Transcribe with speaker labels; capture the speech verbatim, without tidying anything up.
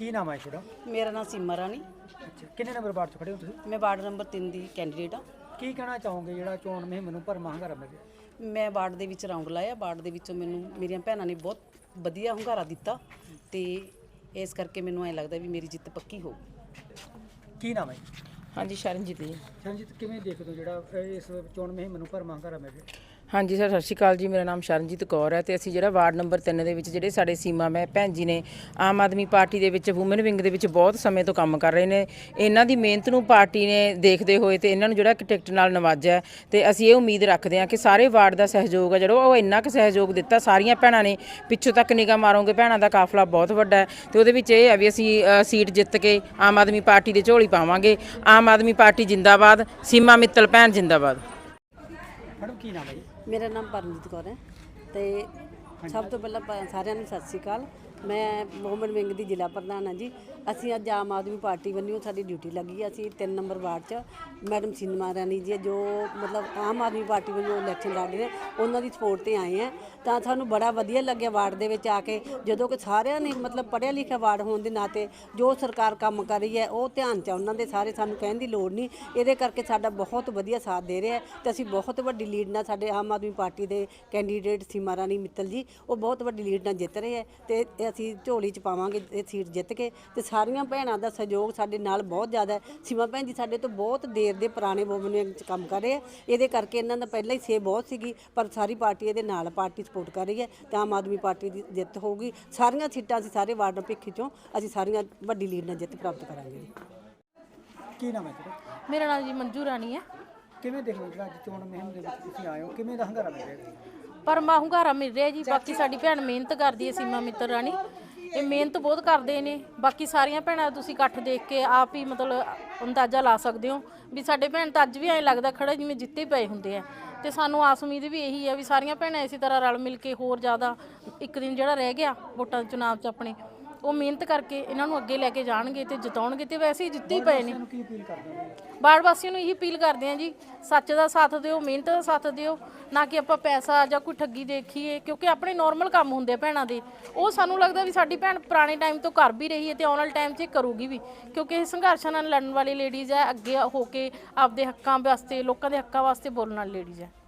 Speaker 1: ਕੀ ਨਾਮ ਹੈ ਤੁਹਾਡਾ?
Speaker 2: ਮੇਰਾ ਨਾਮ ਸੀਮਾ ਰਾਣੀ।
Speaker 1: ਅੱਛਾ, ਕਿੰਨੇ ਨੰਬਰ ਵਾਰਡ 'ਚ ਖੜੇ ਹੋ ਤੁਸੀਂ?
Speaker 2: ਮੈਂ ਵਾਰਡ ਨੰਬਰ ਤਿੰਨ ਦੀ ਕੈਂਡੀਡੇਟ ਹਾਂ।
Speaker 1: ਕੀ ਕਹਿਣਾ ਚਾਹੋਗੇ ਜਿਹੜਾ ਚੋਣ ਮੁਹਿੰਮ ਨੂੰ ਭਰਵਾਂ ਹੁੰਗਾਰਾ ਮਿਲ ਰਿਹਾ?
Speaker 2: ਮੈਂ ਵਾਰਡ ਦੇ ਵਿੱਚ ਰੌਂਗ ਲਾਇਆ। ਵਾਰਡ ਦੇ ਵਿੱਚੋਂ ਮੈਨੂੰ ਮੇਰੀਆਂ ਭੈਣਾਂ ਨੇ ਬਹੁਤ ਵਧੀਆ ਹੁੰਗਾਰਾ ਦਿੱਤਾ ਤੇ ਇਸ ਕਰਕੇ ਮੈਨੂੰ ਐਂ ਲੱਗਦਾ ਵੀ ਮੇਰੀ ਜਿੱਤ ਪੱਕੀ ਹੋਊ।
Speaker 1: ਕੀ ਨਾਮ ਹੈ?
Speaker 3: ਹਾਂਜੀ ਸ਼ਰਨਜੀਤ ਜੀ।
Speaker 1: ਸ਼ਰਨਜੀਤ, ਕਿਵੇਂ ਦੇਖਦੇ ਹੋ ਜਿਹੜਾ ਇਸ ਚੋਣ ਮੁਹਿੰਮ ਨੂੰ ਭਰਵਾਂ ਹੁੰਗਾਰਾ ਮਿਲ ਰਿਹਾ?
Speaker 3: ਹਾਂਜੀ ਸਰ, ਸਤਿ ਸ਼੍ਰੀ ਅਕਾਲ ਜੀ। ਮੇਰਾ ਨਾਮ ਸ਼ਰਨਜੀਤ ਕੌਰ ਹੈ ਤੇ ਅਸੀਂ ਜਿਹੜਾ ਵਾਰਡ ਨੰਬਰ ਤਿੰਨ ਦੇ ਵਿੱਚ ਜਿਹੜੇ ਸਾਡੇ ਸੀਮਾ ਮੈਂ ਭੈਣ ਜੀ ਨੇ ਆਮ ਆਦਮੀ ਪਾਰਟੀ ਦੇ ਵਿੱਚ ਵੂਮਨ ਵਿੰਗ ਦੇ ਵਿੱਚ ਬਹੁਤ ਸਮੇਂ ਤੋਂ ਕੰਮ ਕਰ ਰਹੇ ਨੇ। ਇਹਨਾਂ ਦੀ ਮਿਹਨਤ ਨੂੰ ਪਾਰਟੀ ਨੇ ਦੇਖਦੇ ਹੋਏ ਤੇ ਇਹਨਾਂ ਨੂੰ ਜਿਹੜਾ ਇੱਕ ਟਿਕਟ ਨਾਲ ਨਵਾਜਿਆ ਤੇ ਅਸੀਂ ਇਹ ਉਮੀਦ ਰੱਖਦੇ ਹਾਂ ਕਿ ਸਾਰੇ ਵਾਰਡ ਦਾ ਸਹਿਯੋਗ ਹੈ ਜਿਹੜਾ ਉਹ ਇੰਨਾ ਕੁ ਸਹਿਯੋਗ ਦਿੱਤਾ। ਸਾਰੀਆਂ ਭੈਣਾਂ ਨੇ ਪਿੱਛੋਂ ਤੱਕ ਨਿਗਾਹ ਮਾਰੋਗੇ, ਭੈਣਾਂ ਦਾ ਕਾਫਲਾ ਬਹੁਤ ਵੱਡਾ ਹੈ ਤੇ ਉਹਦੇ ਵਿੱਚ ਇਹ ਹੈ ਵੀ ਅਸੀਂ ਸੀਟ ਜਿੱਤ ਕੇ ਆਮ ਆਦਮੀ ਪਾਰਟੀ ਦੇ ਝੋਲੀ ਪਾਵਾਂਗੇ। ਆਮ ਆਦਮੀ ਪਾਰਟੀ ਜਿੰਦਾਬਾਦ, ਸੀਮਾ ਮਿੱਤਲ ਭੈਣ ਜਿੰਦਾਬਾਦ।
Speaker 1: ਮੈਡਮ ਕੀ ਨਾਮ ਹੈ ਜੀ?
Speaker 2: ਮੇਰਾ ਨਾਮ ਪਰਮਜੀਤ ਕੌਰ ਹੈ ਤੇ ਸਭ ਤੋਂ ਪਹਿਲਾਂ ਪ- ਸਾਰਿਆਂ ਨੂੰ ਸਤਿ ਸ਼੍ਰੀ ਅਕਾਲ। ਮੈਂ ਵੂਮਨ ਵਿੰਗ ਦੀ ਜ਼ਿਲ੍ਹਾ ਪ੍ਰਧਾਨ ਹਾਂ ਜੀ। ਅਸੀਂ ਅੱਜ ਆਮ ਆਦਮੀ ਪਾਰਟੀ ਵੱਲੋਂ ਸਾਡੀ ਡਿਊਟੀ ਲੱਗੀ ਹੈ। ਅਸੀਂ ਤਿੰਨ ਨੰਬਰ ਵਾਰਡ 'ਚ ਮੈਡਮ ਸੀਮਾ ਰਾਣੀ ਜੀ ਜੋ ਮਤਲਬ ਆਮ ਆਦਮੀ ਪਾਰਟੀ ਵੱਲੋਂ ਇਲੈਕਸ਼ਨ ਲੜ ਰਹੇ ਉਹਨਾਂ ਦੀ ਸਪੋਰਟ 'ਤੇ ਆਏ ਹਾਂ। ਤਾਂ ਸਾਨੂੰ ਬੜਾ ਵਧੀਆ ਲੱਗਿਆ ਵਾਰਡ ਦੇ ਵਿੱਚ ਆ ਕੇ, ਜਦੋਂ ਕਿ ਸਾਰਿਆਂ ਨੇ ਮਤਲਬ ਪੜ੍ਹਿਆ ਲਿਖਿਆ ਵਾਰਡ ਹੋਣ ਦੇ ਨਾਤੇ ਜੋ ਸਰਕਾਰ ਕੰਮ ਕਰ ਰਹੀ ਹੈ ਉਹ ਧਿਆਨ 'ਚ ਉਹਨਾਂ ਦੇ ਸਾਰੇ, ਸਾਨੂੰ ਕਹਿਣ ਦੀ ਲੋੜ ਨਹੀਂ। ਇਹਦੇ ਕਰਕੇ ਸਾਡਾ ਬਹੁਤ ਵਧੀਆ ਸਾਥ ਦੇ ਰਿਹਾ ਤੇ ਅਸੀਂ ਬਹੁਤ ਵੱਡੀ ਲੀਡ ਨਾਲ ਸਾਡੇ ਆਮ ਆਦਮੀ ਪਾਰਟੀ ਦੇ ਕੈਂਡੀਡੇਟ ਸੀਮਾ ਰਾਣੀ ਮਿੱਤਲ ਜੀ ਉਹ ਬਹੁਤ ਵੱਡੀ ਲੀਡ ਨਾਲ ਜਿੱਤ ਰਹੇ ਹੈ ਤੇ ਅਸੀਂ ਝੋਲੀ 'ਚ ਪਾਵਾਂਗੇ ਇਹ ਸੀਟ ਜਿੱਤ ਕੇ। ਤੇ ਸਾਰੀਆਂ ਭੈਣਾਂ ਦਾ ਸਹਿਯੋਗ ਸਾਡੇ ਨਾਲ ਬਹੁਤ ਜ਼ਿਆਦਾ ਹੈ। ਸੀਮਾ ਭੈਣ ਜੀ ਸਾਡੇ ਤੋਂ ਬਹੁਤ ਦੇਰ ਦੇ ਪੁਰਾਣੇ ਵੂਮਨ ਵਿੰਗ 'ਚ ਕੰਮ ਕਰ ਰਹੇ ਆ। ਇਹਦੇ ਕਰਕੇ ਇਹਨਾਂ ਦਾ ਪਹਿਲਾਂ ਹੀ ਸੇ ਬਹੁਤ ਸੀਗੀ, ਪਰ ਸਾਰੀ ਪਾਰਟੀ ਇਹਦੇ ਨਾਲ ਪਾਰਟੀ ਸਪੋਰਟ ਕਰ ਰਹੀ ਹੈ ਤੇ ਆਮ ਆਦਮੀ ਪਾਰਟੀ ਦੀ ਜਿੱਤ ਹੋਊਗੀ। ਸਾਰੀਆਂ ਸੀਟਾਂ ਅਸੀਂ ਸਾਰੇ ਵਾਰਡ ਭਿੱਖੀ 'ਚੋਂ ਅਸੀਂ ਸਾਰੀਆਂ ਵੱਡੀ ਲੀਡ ਨਾਲ ਜਿੱਤ ਪ੍ਰਾਪਤ ਕਰਾਂਗੇ।
Speaker 1: ਕੀ ਨਾਮ ਹੈ ਤੁਹਾਡਾ?
Speaker 4: ਮੇਰਾ ਨਾਮ ਜੀ ਮੰਜੂ ਰਾਣੀ ਹੈ।
Speaker 1: ਕਿਵੇਂ ਦੇਖਦੇ ਹੋ ਜਿਹੜਾ ਅੱਜ ਚੋਣ ਮੁਹਿੰਮ ਦੇ ਵਿੱਚ ਤੁਸੀਂ ਆਏ ਹੋ, ਕਿਵੇਂ ਦਾ ਹੁੰਗਾਰਾ ਮਿਲ ਰਿਹਾ?
Speaker 4: ਪਰ ਮਾ ਹੁੰਗਾਰਾ ਮਿਲ ਰਿਹਾ ਜੀ। ਬਾਕੀ ਸਾਡੀ ਭੈਣ ਮਿਹਨਤ ਕਰਦੀ ਹੈ, ਸੀਮਾ ਮਿੱਤਲ ਰਾਣੀ ਇਹ ਮਿਹਨਤ ਬਹੁਤ ਕਰਦੇ ਨੇ। ਬਾਕੀ ਸਾਰੀਆਂ ਭੈਣਾਂ ਤੁਸੀਂ ਇਕੱਠ ਦੇਖ ਕੇ ਆਪ ਹੀ ਮਤਲਬ ਅੰਦਾਜ਼ਾ ਲਾ ਸਕਦੇ ਹੋ ਵੀ ਸਾਡੇ ਭੈਣ ਤਾਂ ਅੱਜ ਵੀ ਐਂ ਲੱਗਦਾ ਖੜਾ ਜਿਵੇਂ ਜਿੱਤੇ ਪਏ ਹੁੰਦੇ ਆ। ਤੇ ਸਾਨੂੰ ਆਸ ਉਮੀਦ ਵੀ ਇਹੀ ਹੈ ਵੀ ਸਾਰੀਆਂ ਭੈਣਾਂ ਇਸੇ ਤਰ੍ਹਾਂ ਰਲ ਮਿਲ ਕੇ ਹੋਰ ਜ਼ਿਆਦਾ ਇੱਕ ਦਿਨ ਜਿਹੜਾ ਰਹਿ ਗਿਆ ਵੋਟਾਂ ਦੇ ਚੁਣਾਵ 'ਚ ਆਪਣੇ ਉਹ ਮਿਹਨਤ ਕਰਕੇ ਇਹਨਾਂ ਨੂੰ ਅੱਗੇ ਲੈ ਕੇ ਜਾਣਗੇ ਤੇ ਜਿਤਾਉਣਗੇ। ਤੇ ਵੈਸੇ ਹੀ ਜਿੱਤੇ ਹੀ ਪਏ ਨੇ।
Speaker 1: ਕੀ ਅਪੀਲ ਕਰਦੇ ਹੋ?
Speaker 4: ਵਾਰਡ ਵਾਸੀਆਂ ਨੂੰ ਇਹੀ ਅਪੀਲ ਕਰਦੇ ਹਾਂ ਜੀ, ਸੱਚ ਦਾ ਸਾਥ ਦਿਓ, ਮਿਹਨਤ ਦਾ ਸਾਥ ਦਿਓ, ਨਾ ਕਿ ਆਪਾਂ ਪੈਸਾ ਜਾਂ ਕੋਈ ਠੱਗੀ ਦੇਖੀਏ। ਕਿਉਂਕਿ ਆਪਣੇ ਨੋਰਮਲ ਕੰਮ ਹੁੰਦੇ ਭੈਣਾਂ ਦੇ, ਉਹ ਸਾਨੂੰ ਲੱਗਦਾ ਵੀ ਸਾਡੀ ਭੈਣ ਪੁਰਾਣੇ ਟਾਈਮ ਤੋਂ ਕਰ ਵੀ ਰਹੀ ਹੈ ਤੇ ਆਉਣ ਵਾਲੇ ਟਾਈਮ 'ਚ ਇਹ ਕਰੂਗੀ ਵੀ। ਕਿਉਂਕਿ ਇਹ ਸੰਘਰਸ਼ਾਂ ਨਾਲ ਲੜਨ ਵਾਲੀ ਲੇਡੀਜ਼ ਹੈ, ਅੱਗੇ ਹੋ ਕੇ ਆਪਦੇ ਹੱਕਾਂ ਵਾਸਤੇ, ਲੋਕਾਂ ਦੇ ਹੱਕਾਂ ਵਾਸਤੇ ਬੋਲਣ ਵਾਲੀ ਲੇਡੀਜ਼ ਹੈ।